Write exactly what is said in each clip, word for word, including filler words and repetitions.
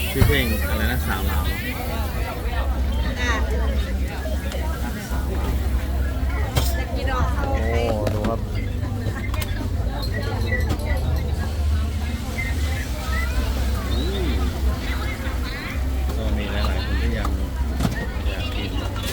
ชื่อเพลงอะไรนะสาวลาวอ่ะจะกินออกเขาโอ้ดูครับก็มีหลายๆคนที่ยังอยากกิน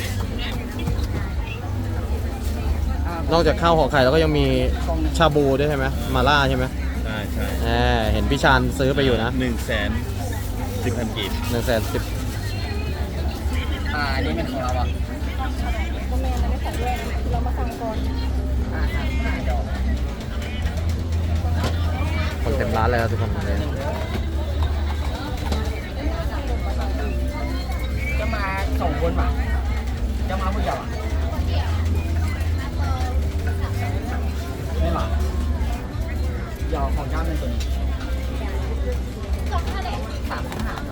นอกจากข้าวห่อไข่แล้วก็ยังมีชาบูด้วยใช่ไหมมาล่าใช่ไหมใช่ใช่แหมเห็นพี่ชานซื้อไปอยู่นะหนึ่งแสนสิบพันกีบหนึ่งแสนสิบอ่าอันนี้เป็นของเราอ่ะก็แม่ไม่ได้ของด้วยเรามาสั่งก่อนอ่าอ่าอ่าเดี๋ยวคนเต็มร้านเลยครับทุกคนเลยจะมาสองคนป่ะจะมาผู้เดียวอ่ะไม่หรอเดี๋ยวของเจ้าเป็นตัวนี้สามพันห้า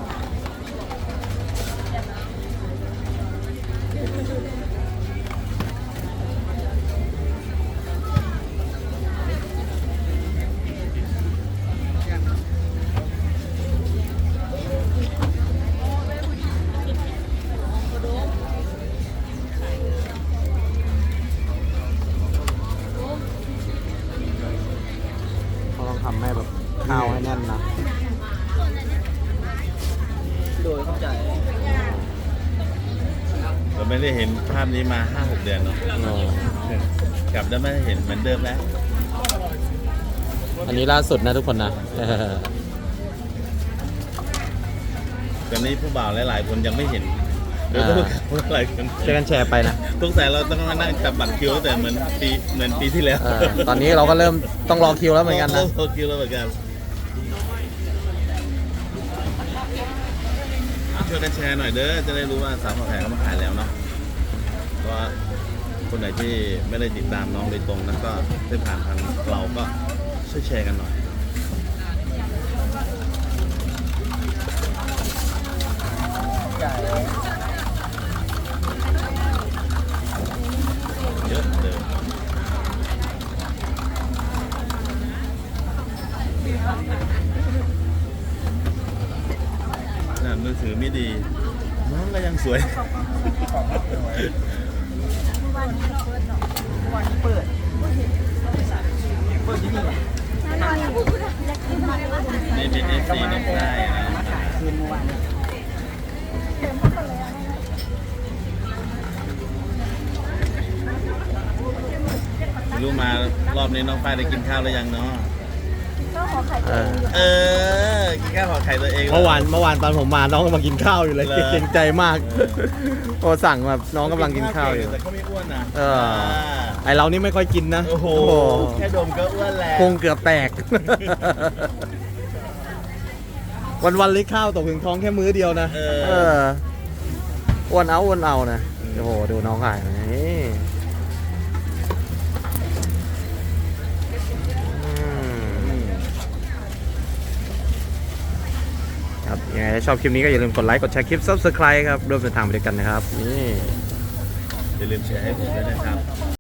เขาต้องทำให้แบบข้าวให้แน่นนะโดยเข้าใจเราไม่ได้เห็นภาพนี้มา ห้าหก เดือนเนาะอ๋อกลับได้ไม่เห็นเหมือนเดิมแล้วอันนี้ล่าสุดนะทุกคนนะตอนนี้ผู้บ่าวหลายๆคนยังไม่เห็นหรืออ่าผู้บ่าวหลายคนช่วยกันแชร์ไปนะสงสัยเราต้องมานั่งจับบัตรคิวตั้งแต่เหมือนปีเหมือนปีที่แล้วเออตอนนี้เราก็เริ่มต้องรอคิวแล้วเหมือนกันนะโตคิวแล้วเหมือนกันช่วยกันแชร์หน่อยเด้อจะได้รู้ว่าสาวผักแขกเขามาขายแล้วเนาะเพราะว่าคนไหนที่ไม่ได้ติดตามน้องโดยตรงนะก็ได้ผ่านทางเราก็ช่วยแชร์กันหน่อยใหญ่เยอะเลยน่ะมือถือไม่ดี น้องก็ยังสวยวันนี้เปิด เปิดที่นี่นี่เป็นเอฟซีน้องได้นะมาขายคืนเมื่อวานไม่รู้มารอบนี้น้องฝ้ายได้กินข้าวหรือยังเนาะก็ขอไข่เออเออ กินข้าวห่อไข่ตัวเองเมื่อวานเมื่อวานตอนผมมาน้องกำลังกินข้าวอยู่เลยเหรอเกรงใจมากพอสั่งแบบน้องกำลังกินข้าวอยู่แต่ก็ไม่อ้วนนะเออ ไอเรานี่ไม่ค่อยกินนะโอ้โห แค่ดมก็อ้วนแล้วพุงเกือบแตก วันวันๆเลยข้าวตกถึงท้องแค่มื้อเดียวนะเอเออออ้วนเอาอ้วนเอานะโอ้โหดูน้องขายนี่อืมครับยังไงถ้าชอบคลิปนี้ก็อย่าลืมกดไลค์กดแชร์คลิป ซับสไครบ์ ครับร่วมเดินทางไปด้วยกันนะครับนี่อย่าลืมแชร์ให้ผมด้วยนะครับ